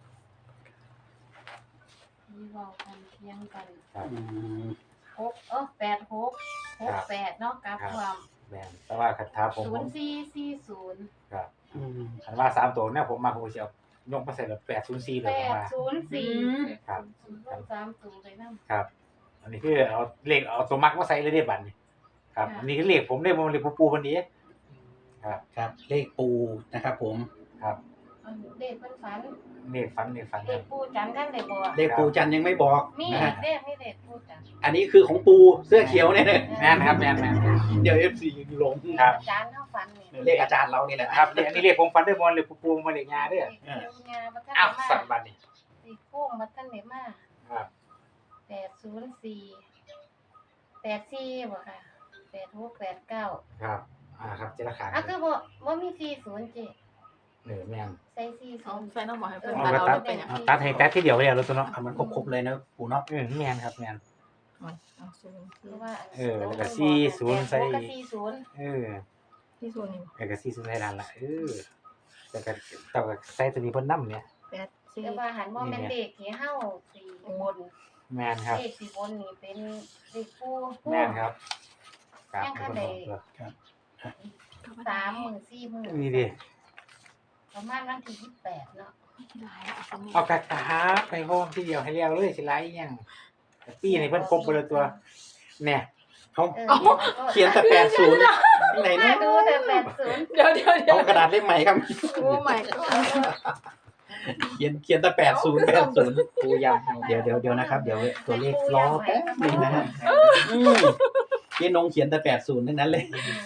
S1: มีเว้ากันเถียงกัน
S2: ครับ
S3: อืม
S1: หกเออแปดหกหกแปดเนาะกับความ
S2: แม่นแต่ว่าคันท้าผม
S1: ศู
S2: ผ
S1: น
S2: ม
S1: ย์สี่สี่ศูนย์
S2: ครับ
S3: อืม
S2: คันว่าสามตัวเนี่ยผมมาผมจะเอายกมาใส่แบบแปดศูนย์สี่เล
S1: แป
S2: ยผม
S1: ด
S2: ว่า
S1: ศูนย์สี่
S2: ครับ
S1: รวมสามตัวไปนำ
S2: ครับ อันนี้คือเอาเลขเอาตัวมักมาใส่เลยได้บัดนี้ครับ
S1: ค่ะ
S2: อันนี้คือเลขผมเลขผมเลขปูปูวันนี้ครับ
S3: ครับ เลขปูนะครับผม
S2: ครับ
S1: อันเด็กเพิ่นฝัน
S2: เลขฟันเลขฟัน
S1: เด็กปู่จันทร์ท่านได้บอก
S3: เลขปูจันทร์ยังไม่บอก
S1: มี
S3: นะฮะ
S1: เด็กมีเด็กปู่จันทร์
S3: อันนี้คือของปูเสื้อเขียวเนี่ยนะ
S2: แม่นครับแม่นแม่น
S3: เดี๋ยวเอฟซีหลง
S2: ครับ
S1: อาจารย์เฮาฝันนี่
S3: เลขอาจารย์เรานี่แหละ
S2: ครับเนี่ยอันนี้เลขผมฟันด้วยบอลเลขปูปูมาเลขงาเด้อ
S1: เด็กเกี่ยวงาบ่ทัน
S2: อ้าว
S1: ได้
S2: สั่น
S1: มา
S2: บัดนี้
S1: สิโค้งบ่ทันได้มา
S2: ครับ
S1: แปดศูนย์สี่แปดสี่บ่ค่ะแปดหกแปดเก้า
S2: ครับอ่าครับเจรขา
S1: อ่ะคือบ่บ่มีสี่ศูนย์เจ
S2: เหนือแม่น
S1: ใส่สี่ศู
S4: เอา
S1: นย์
S4: แฟนต้องบอกให้เพื่อน
S2: เอา
S4: ตัด
S2: มา
S4: เอา
S2: ตัด
S4: แล้วเป็นอย่าง
S2: เอาตัดให้ตัดที่เดียวไปแล้วรถตัวเนาะ
S3: เอามันครบๆเลยนะปูเนาะ
S2: เออแม่นครับแม่น
S4: เอาศูนย์
S1: เพราะว่า
S2: เออแล้วก็สี่ศูนย์ใส่
S1: แปดหกกับสี่ศูนย์
S2: เออ
S4: ที่ศูนย์นี่
S2: เอกซีสุดท้ายนั่นล่ะเออแต่ก็แต่ก็ใส่ตัวนี้เพิ่นนำเนี่ย
S4: แปดสี่
S1: แต่ว่าหันบ่แม่นเด็กที่เฮาสี่บน
S2: แม่นครับ
S1: เด็กสี่บนนี่เป็นเด็กผู้ผู้
S2: แม่นครับครับ
S1: ยังคัน
S2: เพิ่น
S1: ใด
S2: บอกตัว
S1: สามหมื่นสี่หมื่น
S2: นี่ดิ
S1: ประมาณวันที่ยี่สิบแปดเนาะ
S2: เอากระตาไปโฮมทีเดียวให้แล้วเลยสิไลอีหยังปีนี้เพิ่นครบไปเลยตัวเนี่ย
S3: เขา
S1: เออ
S3: เขียนแต่แปดศูนย์ที่ไหน
S1: มา
S3: นะ
S1: ดูแต่แปดศูนย์
S4: เดี๋ยวเดี๋ยวเดี๋ยว
S3: เอากระดาษเล่มใหม่ครับ
S4: โอ้ไม่ก็
S3: เขียนเขียนแต่แปดศูนย์แปดศูนย์
S2: ปูย
S3: เดี๋ยวเดี๋ยวเดี๋ยวนะครับ เดี๋ยวตัวเลขล้อแป๊บนึงนะฮะอืมเจ๊นงเขียนแต่แปดศูนย์ทั้งนั้นเลย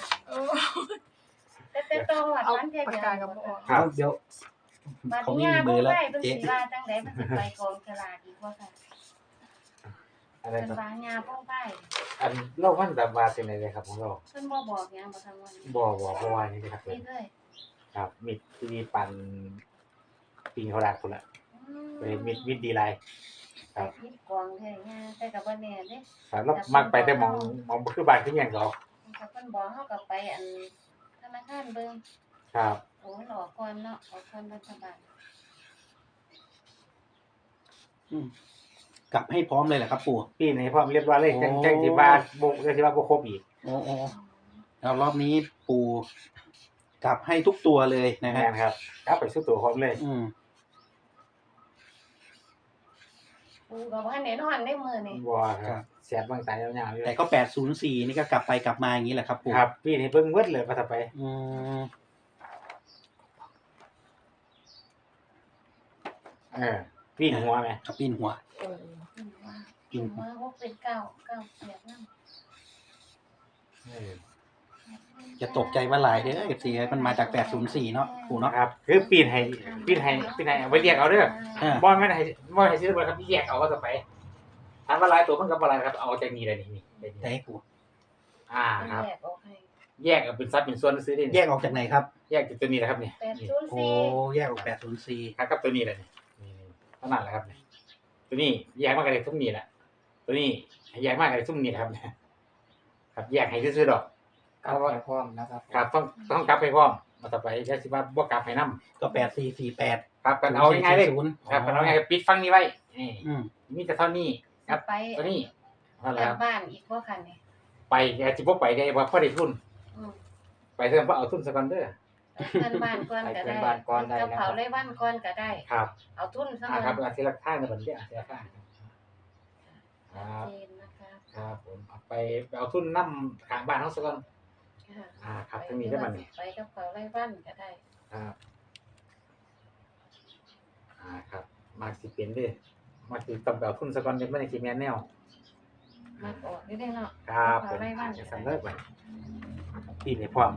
S1: แต่แต่ต้องวัด
S4: เอา
S1: วันเดียว
S4: ปาก
S1: เดียว
S4: กากับโม
S2: ครับ
S3: เดี๋ยว
S1: บัด
S3: เขา
S1: นี้
S3: ไม่มี
S1: ยา
S3: มื
S1: บ่
S3: อแล้ว
S1: ได้เพิ่น
S3: เจ๊
S1: สิว่าจังได๋มันสิไปกองฉลากอีกว่าค่ะ
S2: อะไร
S1: เพิ่น
S2: ครับ
S1: ว่ายาบ่ไป
S2: อันเรามันแบบว่าเป็นอะไรครับของเรา
S1: เพิ่นบ่บอกหยังบ่ทั้งวัน
S2: บ่บ่เพราะว่านี่ครับ
S1: นี่เลย
S2: ครับมิดที่ปั่นปิงเขาดักพุ่นละ
S1: อืม
S2: เป็นมิดมิดดีไลน์ ครับ
S1: มีกองแท้ยาแต่ก็บ่แน่เด้
S2: ครับแล้วมักไปแต่มองมองคือบ้านคือหยังเขา
S1: ถ้าเพิ่นบอกเฮาก็ไปอันธนาคารเบิ่ง
S2: ครับ
S1: โอ้มันออกก่อนเนาะออกก่อนรัฐบาล
S3: อืมกลับให้พร้อมเลยเหรอครับปู่
S2: ปีนี้พร้อมเรียบร้อยเลย
S3: โอ้
S2: จังจังสิว่าบ่จังสิว่าบ่ครบอีก
S3: โอ้โอ้แล้วรอบนี้ปู่กลับให้ทุกตัวเลยนะ
S2: แม่
S3: ฮะ
S2: นครับกลับไปสู่ตัวพร้อมเลย
S3: อืม
S1: กูก็บ่ทันได้นอนได้มื้อนี้
S2: บ่ครับเสียบบางตายยาวๆอยู่
S3: แต่ก็แปดศูนย์สี่นี่ก็กลับไปกลับมาอย่างนี้แหละครับปู่
S2: ครับปีนี้เบิ่งเบิดเลยว่าถ้าไป
S3: อืม
S2: เออปีนหัวไหม
S3: กับปีนหัว
S4: โอ้
S1: อืมว่า
S3: ปีนหัว
S1: ว่าพวกเป็นเก้าเก้าเสียบนำ
S2: เออ
S3: จะตกใจว่าหลายเด้อเอฟซีมันมาจากแปดศูนย์สี่เนาะปู่เนาะ
S2: ครับคือปีนให้ปีนให้ปีนให้เอาไว้เรียกเอาเด้อ
S3: อ่า
S2: บ่ไม่ได้ให้บ่ให้ซื้อเบิดครับแยกเอาก็จะไปถามว่าหลายตัวมันก็บ่หลายครับเอาจากนี้เลยนี่นี่ได้
S3: แต่
S2: นี่
S3: ให้ปู่
S2: อ่าครับ
S1: แยกออกให้
S2: แยกเอาเป็นซับเป็นส่วนซื้อได้
S3: แย
S2: นี่
S3: กออกจากไหนครับ
S2: แยกจากตัวนี้แหละครับนี่
S1: แปด
S2: นี่
S1: ศูนย์
S3: โอ้
S1: สี่
S3: แยกออกแปดศูนย์สี่
S2: ครับกับตัวนี้แหละนี่นี่เท่านั้นแหละครับนี่ตัวนี้แยกมากันเลยทุ่มนี้แหละตัวนี้แยกมากันเลยทุ่มนี้แหละครับเนี่ยครับแยกให้ซื้อๆดอก
S5: กลับไปพร้อมนะครับ
S2: ครับต้องต้องกลับไปพร้อมมาต่อไปจะสิว่าบ่กลับให้นํ
S3: ก็แปดสี่สี่แปด
S2: ครับกันเอาง่ายๆเลย
S3: ศูนย์
S2: ครับกันเอาง่ายๆปิดฟังนี้ไว้นี่
S3: อืม
S2: มีแต่เท่านี้ครับ
S1: ไป
S2: ตัวนี้นั่นแหละ
S1: ก
S2: ค
S1: ลั
S2: รั
S1: บบ บ้านอีกบ่คันนี่
S2: ไปแกสิบ่ไปได้ว่าพอได้ทุน
S1: อืม
S2: ไปเพิ่มเพราะเอาทุนซะก่อนเด้อ
S1: เพื่อนบ้านก่อนก็ได้กับเขาเลยบ้านก่อนก็ได้
S2: ครับ
S1: เอาทุนซะ
S2: อ่า
S1: ก่อน
S2: ครับอาทิตย์ละข้างในบัดนี้อาทิตย์ละข้างครับ
S1: ชัดเจนนะคะ
S2: ครับผมเอาไปไปเอาทุนนํข้างบ้านเฮาซะก่อน
S1: ค่ะ
S2: อ่าครับทั้งนี้ได้บัดนี้
S1: ไปกับเขาไล่บ้านก็ได้
S2: ครับอ่าครับมากสิเป็นเด้อมาสิต้องไปเอาทุนซะก่อนยังบ่ได้สิแม่นแนว
S1: มาออกได้เนาะ
S2: ครับผม
S1: ไล่บ้าน
S2: จะสำเร็จไปปีนี้พร้อม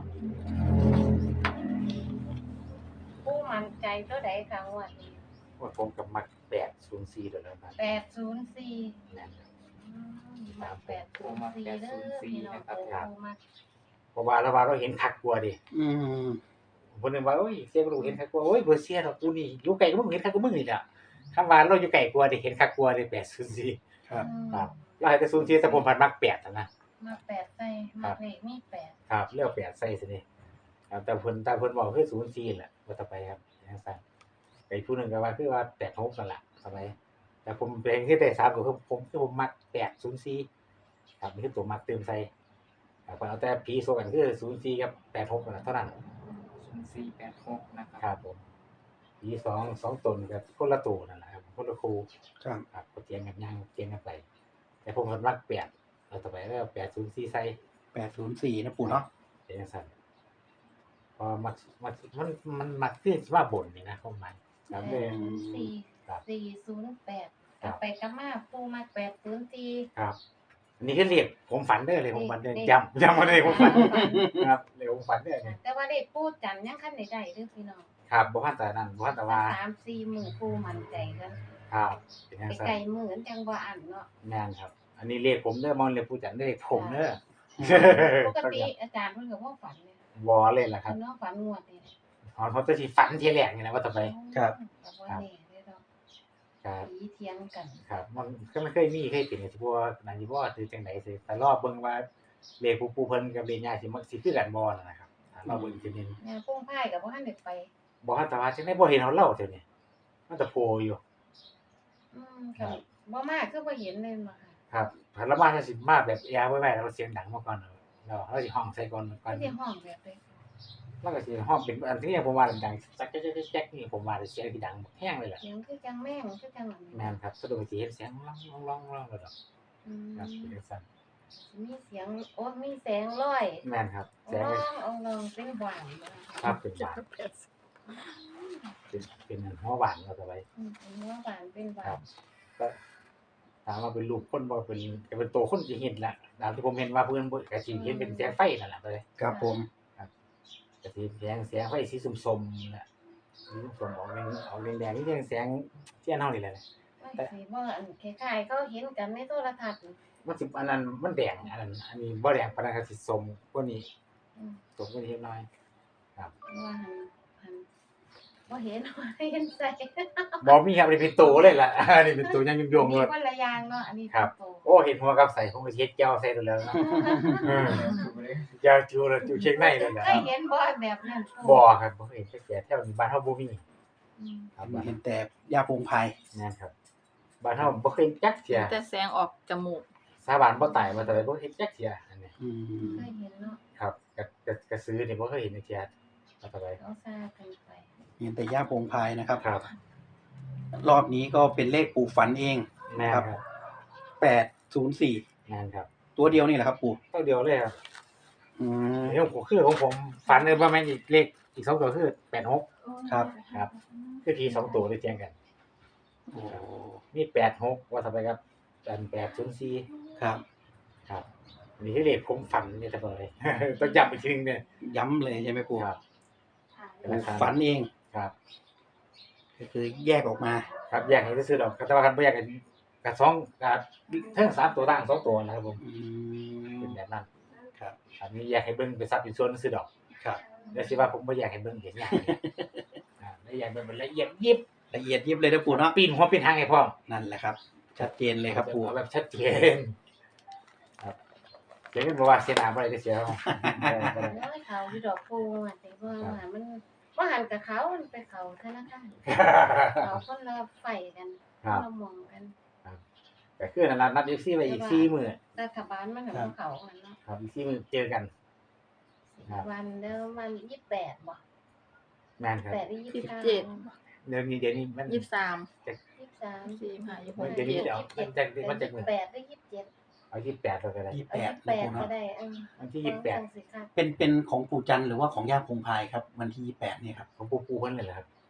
S1: ผู้มั่นใจตัวใดคะงวดนี้
S2: ว่าผมกับมักแปดศูนย์สี่ตัวแล้วครับ
S1: แปดศูนย์สี่
S2: นั่นครับ
S1: มาแปดศูนย์สี่เด้อพี่น้องโอ้มา
S2: เพราะว่าเราว่าเราเห็นคักกลัวดิ
S3: อืม
S2: คนหนึงว่าโอ้ยเสียกรู้เห็นคักกลัวโอ้ยบ่เสียดอกกูนี่อยู่ไกลก็มึงเห็นคักกูมึงนี่แหละคำว่าเราอยู่ไกลกลัวดิเห็นคักกลัวดิแปดศูนย์สี่
S3: ครับ
S2: ครับเราให้แต่ศูนย์สี่แต่ผมพันมักแปดนะ
S1: มาแปดใส่มาเลขมีแปด
S2: ครับเลือกแปดใส่สินี่ครับแต่เพิ่นแต่เพิ่นบอกคือศูนย์สี่แหละว่าต่อไปครับจังซั่นไอ้ผู้หนึงก็ว่าคือว่าแปดหกนั่นแหละสบายแต่ผมเป็นคือแต่สามก็คือผมคือผมมักแปดศูนย์สี่ครับนี่คือตัวมักเติมใส่ครับเอาแต่ผีโซกันคือศูนย์สี่กับแปดหกนั่นแหละเท่านั้น
S5: ศูนย์สี่แปดหกนะครับ
S2: ครับผมผีสองสองตนกับคนละตัวนั่นแหละครับคนละครู
S3: ครับ
S2: ครับก็เตียงกันย่างเตียงกันไป แต่ผมก็มักแปดเอาต่อไปแล้วแปดศูนย์สี่ใส่
S3: แปดศูนย์สี่นะปู่เนาะ
S2: เป็นจังซั่นพอมักมักมันมันมักคือสิว่าบ่นนี่นะผมหมายครับ
S1: แป
S2: เลย
S1: ดศูนย์สี่
S2: ครับ
S1: สี่ศูนย์แปดกลับไปกลับมาปูมาแปดศูนย์สี่
S2: ครับอันนี้คือเรียกผมฝันเด้อเลยผมฝันเด้อ
S1: เลข
S2: จำจำมาเลยผมฝันครับเลยผมฝันเด้อเนี่ย
S1: แต่ว่าเลขปูจันยังคันใดๆเด้อพี่น้อง
S2: ครับบ่ทันแต่นั้นบ่ทันแต่ว่า
S1: สามสี่หมื่นปูมั่นใจกัน
S2: ครับเป็นจัง
S1: ไป
S2: ซั่น
S1: ไกลหมื่นจังบ่อันเนาะ
S2: แม่นครับ อันนี้เรียกผมเด้อมองเรียกผู้จัดเด้อเรียกผมเด้อ
S1: ปกติอาจารย์เพิ่นก็บ่ฝันเนี่ย
S2: บ่เลยล่ะครับ
S1: เพิ่นเนาะฝันงวดนี่
S2: อ๋อเขาจะสิฝันทีแรกนี่นะว่าต่อไป
S3: ครับ
S1: ก็บ่แน่เด้อเนาะ
S2: ครับ
S1: ผีเถียงกัน
S2: ครับมันก็ไม่เคยมีเคยเป็นสิบ่นั่นสิบ่คือจังได๋สิแต่รอบเบิ่งว่าเลขผู้ปู่เพิ่นกับเลขย่าสิมันสิคือกันบ่นั่นนะครับอ่ารอบเบิ่งอีกทีนึง
S1: แม่ปุ้งพายก็บ่ทันได้ไป
S2: บ่ทันแต่ว่าจังได๋บ่เห็นเขาเล่าเท่านี้มันจะโผล่อยู่
S1: อืมค่ะบ่มาคือบ่เห็นเลยมาค่ะ
S2: ครับถ้าละมาจะสิมาแบบแอร์ไว้ไว้แล้วเสียงดังมาก่อนแล้วเราสิห้องใส่ก่อนก่อน
S1: ที่ห้องแบบเลย
S2: แล้วก็สิห้องเป็นอันที่ผมว่าดังจักๆๆๆนี่ผมว่าเสียงที่ดังแห้งเลยแหละ
S1: เสียงคือจังแม่งคือจังอันนี้
S2: แม่นครับสะดวกสิเห็นเสียงร้องร้องร้องแล้วดอก
S1: อืม
S2: ครับเป็นจังซั่น
S1: มีเสียงโอ้มีแสงลอย
S2: แม่นครับแสง
S1: ร้องเอาลองเป็นหวานบ่
S2: ครับเป็นหวานเป็นเป็นหัวหวานเราต่อไป
S1: อืมเป็นหัวหวานเป็นหวา
S2: ครั
S1: น
S2: บก็ถามว่าเป็นรูปคนบ่เป็นก็เป็นตัวคนสิเห็นแหละตามที่ผมเห็นว่าเพิ่นบ่ก็สิเห็นเป็นแสงไฟนั่นแหละเลย
S3: ครับผม
S2: ก็สิแสงแสงไฟสีส้มๆน่ะสีส้มๆออกแดงออกแดงๆนี่ยังแสงเทียนเฮานี่แหละ
S1: ไม่สิบ่อันคล้ายๆเขาเห็นกันในโทรทัศน์
S2: มันสิอันนั้นมันแดงอันนั้นอันนี้บ่แดงปานนั้นก็สิส้มกว่านี้
S1: อืม
S2: ส้มกว่านี้เล็กน้อย
S1: ว่าหันหันบ่เห็นว่าเห็นใส่
S2: บ่มีครับอันนี้เป็นตัวเลยล่ะ อันนี้เป็นตัวยังโยงๆ
S1: มี
S2: เลย
S1: คนละอย่างเนาะอันนี้
S2: ครับ
S1: โต
S2: โอ้เห็นหัวกับใส่ผมก็สิเฮ็ดแก้วใส่ตัวแล้วนะเออ
S5: ถูกเลย
S2: แก้วจูแล้วจูเช็คในนั่นแหละ
S1: เคยเห็นบ่แบบนั้น
S2: บ่ครับบ่เห็นจักแก่แถวนี้บ้านเฮาบ่มี
S1: อืม
S2: ครับบ้าน
S3: เห็นแต่ยาโปงพาย
S2: นั่นครับบ้านเฮาบ่เคยจักเที่ย
S4: แต่แสงออกจมูก
S2: สาบานบ่ตายว่าแต่บ่เห็นจักเที่ยอันนี้
S3: อืม
S1: เคยเห็นเนาะ
S2: ครับกะกะกะซื้อนี่บ่เคยเห็นจักเที่ยว่าแต่ไป
S1: เขาซากันไป
S3: เห็นแต่ยาโปงพายนะครับ
S2: ครับ
S3: รอบนี้ก็เป็นเลขปู่ฝันเอง
S2: แม่น
S3: ครับ
S2: ครับ
S3: แปดศูนย์สี่
S2: แม่นครับ
S3: ตัวเดียวนี่แหละครับปู่
S2: เท่าเดียวเลยครับ
S3: อืม
S2: เดี๋ยวผมคือของผมฝันเลยว่าแม่นอีกเลขอีกสองตัวคือแปดหก
S3: ครับ
S2: ครับ คือทีสองตัวได้แจ้งกัน
S3: โอ้
S2: มีแปดหกว่าต่อไปครับอันแปดศูนย์สี่
S3: ครับ
S2: ครับนี่คือเลขผมฝันนี่แต่บ่เลย ต้องย้ำอีกทีนึงเนี่ย
S3: ย้ำเลยใช่ไหมปู่
S2: ครับ
S3: ปู่ฝันเอง
S2: ครับ
S3: ก็คือแยกออกมา
S2: ครับแยกให้ซื้อๆดอกแต่ว่าคันบ่แยกกันกับสองกับเทั้งสามตัวต่างสองตัวนะครับผม
S3: อื
S2: เป็น
S3: ม
S2: แบบนั้น
S3: ครับ
S2: อันนี้แยกให้เบิ่งเป็นซับเป็นส่วนซื้อดอก
S3: ครับ
S2: แล้วสิว่าผมบ่แยกให้เบิ่งเห็นอย่างเดียวอ่าแล้วแยกเป็นละเอียดยิบ
S3: ละเอียดยิบเลยนะปู่เนาะ
S2: ปีนหัวปีนหางให้พร้อม
S3: นั่นแหละครับ ชัดเจนเลยครับปู่
S2: เอาแบบชัดเจนครับเดี๋ยวนี้บ่ว่าเสียหน้าบ่ได้เด้อเสียเอาบ่ได้บ่ได้
S1: เอ้ยเขาที่ดอกปูอ่ะแต่ว่ามันว่าหันกับเขามันไปเขาธนาคารเขาคนละไฟกันค
S2: ครั
S1: น
S2: บ
S1: ละมองกัน
S2: ก็คือนั่นล่ะนัด เอฟ ซี ไว้อีกสี่มื้อ
S1: รัฐบาลมันของเขาอันเนาะ
S2: ครับอีกสี่มื้อเจอกัน ครับ
S1: วันเดิมวันยี่สิบแปดบ่
S2: แม่นครับ
S1: แปดหรือยี่
S4: สิ
S1: สิ
S4: บบ
S1: เก้า
S4: เจ็ด
S2: เดี๋ยวนี้เดี๋ยวนี้มัน
S4: ยี่สิบสาม
S1: ยี่สิบสาม
S4: สี่ห้ายี่สิบห
S2: มัน
S4: ก
S2: เดี๋ยวนี้
S4: เจ็ด
S2: เดี๋ยวมันจะมันจะมื้อ
S1: แปดหรือยี่สิบเจ็ด
S2: เอายี่สิบแปดแล้วก็ได้
S3: ยี่สิบ
S1: เอา
S3: แปด
S1: ยี่สิบแป
S3: นะ
S1: ด
S3: ปู่
S1: ก็
S3: เนาะ
S1: ได้เออ
S2: วันที่ยี่สิบแปด
S1: สิครับ
S3: เป็นเป็นของปู่จันทร์หรือว่าของย่าโปงพายครับ วันที่ยี่สิบแปดเนี่ยครับ
S2: ของปู่ปู่เพิ่นเลยแหละครับ
S3: โอ้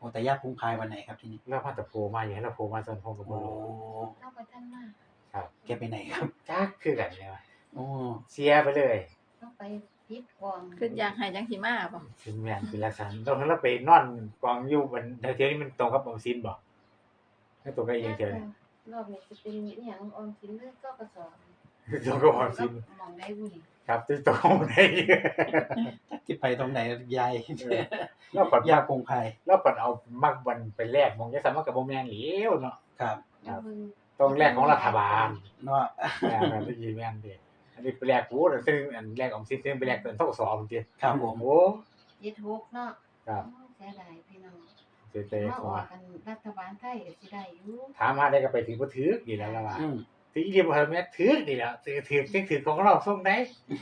S3: อ้แต่ย่าพุงพายวันไหนครับทีนี้
S2: แล้วพาตะโพมาอย่างนี้เราโพมาจนพงกับ
S3: โอ้
S2: บ่รู้
S1: เข้าไปท่านมาก
S2: ครับ
S3: แกไปไหนครับ
S2: จักคือกันเลยว่ะ
S3: โอ้
S2: เสียไปเลย
S1: ต้องไปพิษกอง
S4: คืออยากให้จังสิมาบ่
S2: ถึงแม่นเป็นลักษณะตอนนั้นเราไปนอนกองอยู่บนเที่ยวนี้มันตรงกับออมสินบ่ให้ตรงกับอีกอย่างเดียวนี่
S1: รอบนี้จะเป็นอหย่างออมสินหรือก็กระสอบ
S2: ตรงกับออมสิน
S1: มองได้บุญ
S2: ครับที่ตรงได้
S3: ที่ไปตรงไหนยาย
S2: แล้วปัด
S3: ย่าพุงพาย
S2: แล้วปัดเอามักบันไปแลกมองจะสามารถกับบ่แม่นเหลียวเนาะ
S3: ครับ
S1: แล้วมึง
S2: ต้องแลกของรัฐบาล
S3: เนาะ
S2: แม่นได้ยินแม่นเด้อันนี้ไปแลกกูแต่ซึ่งอันแลกออมสินซึ่งไปแลกเกินเท่ากับสอบจริง
S3: ครับผม
S2: โอ้
S1: ยึดฮกเนาะ
S2: ครับ
S1: เสียดายพี่น้อง
S2: เสียใจ
S1: มา
S2: ข
S1: อ
S2: อ
S1: อกกันรัฐบาลไทยก็สิได้อยู่
S2: ถามหาได้ก็ไปถึงบ่ถึกนี่แหล้วล่ะว่า
S3: อืม
S2: ถึงอีเดียบ่ทันแม่นถึกนี่แหล้วถึกถึกถึกถึกของเราส่งได้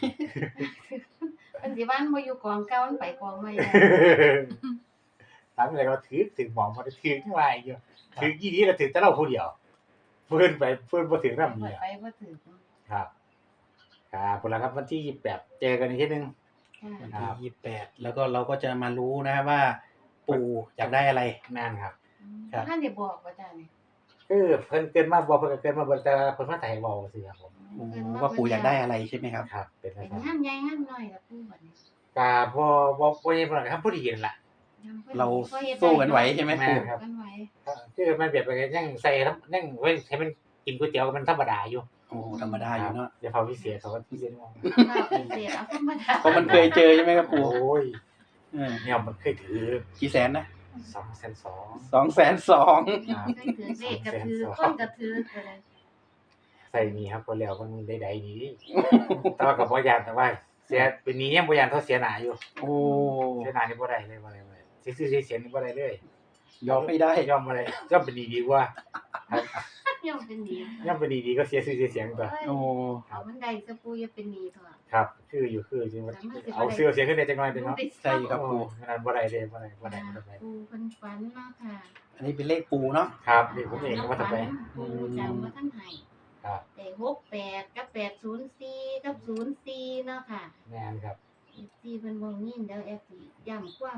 S1: มันสิบ้านบ่อยู่กองเก่ามันไปกองใหม่แล้ว
S2: ถามอะไรก็ถือถึงหมองมาถือที่ว่าอีกอยู่ถือกี่นี้เราถือแต่เราผู้เดียวเพิ่นไปเพิ่นบ่ถือนำ
S1: ไป
S2: เนี่ย
S1: ไปบ่ถึง
S2: ครับครับพุ่นละครับวันที่ยี่สิบแปดเจอกันอีกทีนึง
S1: ค่ะ
S3: วัน
S2: ครั
S3: ที่
S2: บ
S3: ยี่สิบแปดแล้วก็เราก็จะมารู้นะว่า ปู่อยากได้อะไร
S2: แม่นครับ
S3: ครับ
S1: ท่านได้บอกว่าจ้านี่
S2: คือเพิ่นเกินมาบ่เพิ่นก็เกินมาเบิ่แต่เพิ่นมาถ่ายเว้าซื่อครับผม
S3: โอ้ว่าปู่อยากได้อะไรใช่ไหมครับ
S2: ครับเป็น
S1: เป็น
S2: จังซั่น
S1: งานใหญ่งานน้อยล่ะปู่บัดนี้
S2: ก็บ่บ่บ่ยังบ่ได้ครับพอดีนั่นล่ะ
S3: เราสู้กันไหวใช่ไหม
S2: แม่
S3: ปู่
S2: นครับ
S1: กันไหว
S2: คือมันแบบว่ายังใส่ยังเว้นให้มันกินก๋วยเตี๋ยวมันธรรมดาอยู่
S3: โอ้ธรรมดาอยู่เนาะ
S2: อย่าเฝ้าพิเศษเขาก็พิเศษมาก
S1: ข้าวพิเศษเอาธรรมดา
S3: เพราะมันเคยเจอใช่ไหมครับ
S2: โอ้
S3: ปู่
S2: ย
S3: เออ
S2: เนี่ยมันเคยถือ
S3: กี่แสนนะ
S2: สองแสนสอง
S3: สองแสนสอง
S2: ครับ
S1: เคยถือเลขกระถือก้นกระถือก็เลย
S2: ใส่นี่ครับคนแล้วมันได้ใดนี้ แต่ว่ากับบ่ยานแต่ว่าเสียเป็นนี้ยังบ่ยานเท่าเสียหน้าอยู่
S3: โอ้
S2: เสียหน้านี่บ่ได้เลยบ่ได้บ่ได้สิซื้อสิเสียนี่บ่ได้เลย
S3: ยอมไม่ได้
S2: ยอมบ่ได้ยอมเป็นดีดีกว่าครับ
S1: ย่อมเป็นหนี้
S2: ยอมเป็นดีดีก็เสียซื้อเสียเสียงตัว
S3: โอ้
S1: เอามันได้สปูอย่าเป็นหนี้เถอะ
S2: ครับ คืออยู่คือจริงว่าเอาเสื้อเสียงขึ้นได้จังหน่อยเป็นเนาะ
S3: ใช่ครับปู่
S2: ขนาดบ่ได้เลยบ่ได้บ่ได้บ่ได้
S1: ปูเพิ่นฝันเนาะค่ะ
S3: อันนี้เป็นเลขปู่เนาะ
S2: ครับนี่ผมเองก็ว่าจะไป
S1: ปูจำว่าท่านให้
S2: ครับ
S1: ได้หกแปดกับแปดศูนย์สี่กับศูนย์สี่เนาะค่ะ
S2: แม่นครับ
S1: เอฟซีเพิ่นบ่ยินเด้อเอฟซีย้ำความ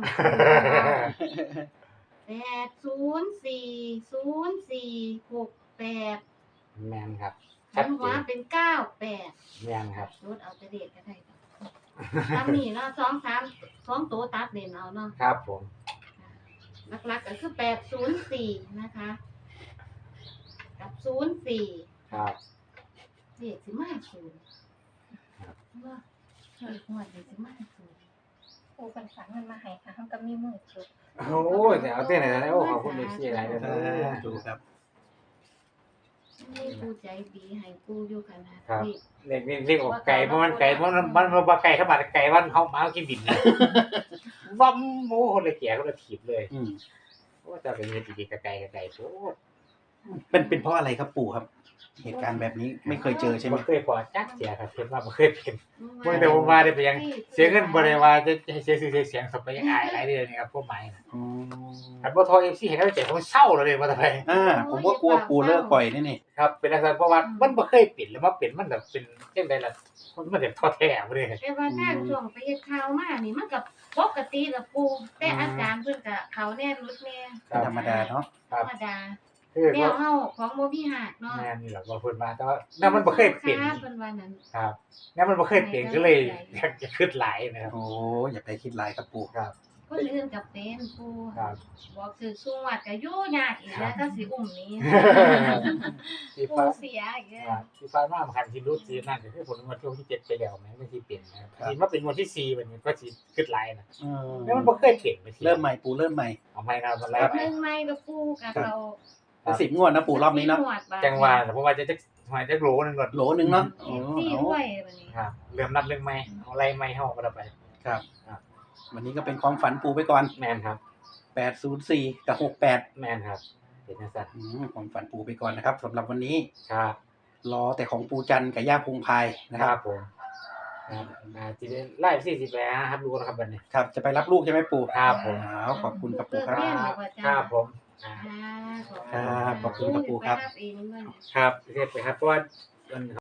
S1: แปดศูนย์สี่ศูนย์สี่หกแปด
S2: แม่นครับ
S1: ขันหัวเป็นเก้าแปด
S2: แม่นครับ
S1: รถเอาแต่เด็กก็ได้ตามนี้เนาะสองสามสองตัวตัดเด่นเอาเนาะ
S2: ครับผม
S1: หลักๆก็คือแปดศูนย์สี่นะคะ กับศูนย์สี่
S2: ครับ
S1: เด็กสิมาศูนย์ว่าเด็กหัวเด็กสิมาศูนย์
S4: ปูเป็นฝันมันมาให้ค่ะเฮาก็มีมือจุด
S2: โอ้ยแต่เอาเต้นไหนแล้วโอ้ขอบคุณเอฟซีหลายเลย
S3: สาธุครับ
S1: นี่กูใจดีให้กูอยู่ขนาด
S2: ครับ
S1: นี้
S2: เรียกเรียกออกไก่เพราะมันไก่เพราะมันมันมันบ่ไก่เข้ามาไก่วันเขามากินบินนะวัมโอ้คนละแก่คนละถีบเลย
S3: อืม
S2: โอ้จะเป็นเงินดีๆกับไก่กับไก่โอ้
S3: เป็นเป็นเพราะอะไรครับปู่ครับ เหตุการณ์แบบนี้ไม่เคยเจอใช่ไหม
S2: บ่เคยพอจักเสียครับเพิ่นว่าบ่เคยเป็นเมื่อแต่ผมมาได้ไปยังเสียเงินบ่ได้ว่าจะให้เสียชื่อเสียเสียงสบไปยังอายหลายเดือนนี่ครับพวกหมายนะ
S3: อ๋อ
S2: คันบ่โทร เอฟ ซี ให้กำลังใจผมเศร้าเลยว่าแต่ไป
S3: อ่าผมก็กลัวปู่เลิกปล่อยนี่นี่
S2: ครับเป็นลักษณะเพราะว่ามันบ่เคยเป็นแล้วมาเป็นมันแบบเป็นจังได๋ล่ะมันมันแบบท้อแท้บ่ได้
S1: แต่ว่าทางช่วงไปเฮ็ดข่าวมานี่มันก็ปกติละปูแต่อาการเพิ่นก็เขาแน่รุดแน่
S3: เป็นธรรมดาเนาะ
S2: ครั
S1: ธ
S2: บ
S1: รรมดา
S2: คือ
S1: แน
S2: ว่าว
S1: เฮาของบ่มีหักเนาะ
S2: แม่นี่แหละว่าเพิ่นมาแต่ว่าแนวมันบ่เคยเป็น
S1: เพิ่นว่านั้น
S2: ครับแนวมันบ่เคยเป็นก็เลยอยากจะขึ้นหลายนะครับ
S3: โอ้อย่าไปคิดหลายครับปู่
S2: ครับ
S1: คนอื่นก็เป็นปู
S2: ครับ
S1: บอกคือสูงวัดก็อยู่ยากอีกแล้วก็สิอุ้มนี้
S2: ที่
S1: ปู
S2: ฟ้า
S1: เสียอีกแล้ว
S2: ครับที่ฟ้ามาคันที่รู้ที่นั่นก็คือผลงวดที่ที่เจ็ดไปแล้วแม่นที่เป็นนะครับที่มาเป็นงวดที่สี่บัดนี้ก็สิขึ้นหลายนะ
S3: อืม
S2: แล้วมันบ่เคยเป็นไปที
S3: เริ่มใหม่ปู่เริ่มใหม่
S2: เอาใหม่นะมันไล่
S1: แบบ
S2: ไป
S1: นึงไม่ละปูกับเรา
S3: สิบงวดนะปู่รอบนี้เนาะ
S2: จังหวะเพราะว่าจะจะหอยจะโหลนึงก่อน
S3: โหลหนึ่งเนาะ
S1: เอ
S3: อ๋อ
S1: ฟซี
S3: เอา
S1: ด้วยบัดนี้
S2: ครับเริ่มนับเรื่องใหม่เอาไล่ใหม่เฮาก็ได้ไป
S3: ครับ
S2: ครับ
S3: วันนี้ก็เป็นความฝันปู่ไปก่อน
S2: แมนครับ
S3: แปดศูนย์สี่กับหกแปด
S2: แมนครับเป็นจังซั่น
S3: อืมความฝันปู่ไปก่อนนะครับสำหรับวันนี้
S2: ครับ
S3: รอแต่ของปู่จันทร์กับย่าพงพายนะ
S2: ค
S3: ค
S2: รั
S3: รั
S2: บบ ผมครับอ่าสิได้ไล่สี่สิบแปดครับดูนะครับบัดนี้
S3: ครับจะไปรับลูกใช่ไหมปู่
S2: ครับผม
S3: อ้าวขอบคุณครับปู่ค
S2: ค
S3: รั
S2: รับ บครับผมอ่า
S1: อ่า
S3: ครับขอบคุณครับปู่ครับ
S1: ไปรับเองด้วย
S2: ครับเรียบไปครับเพราะว่า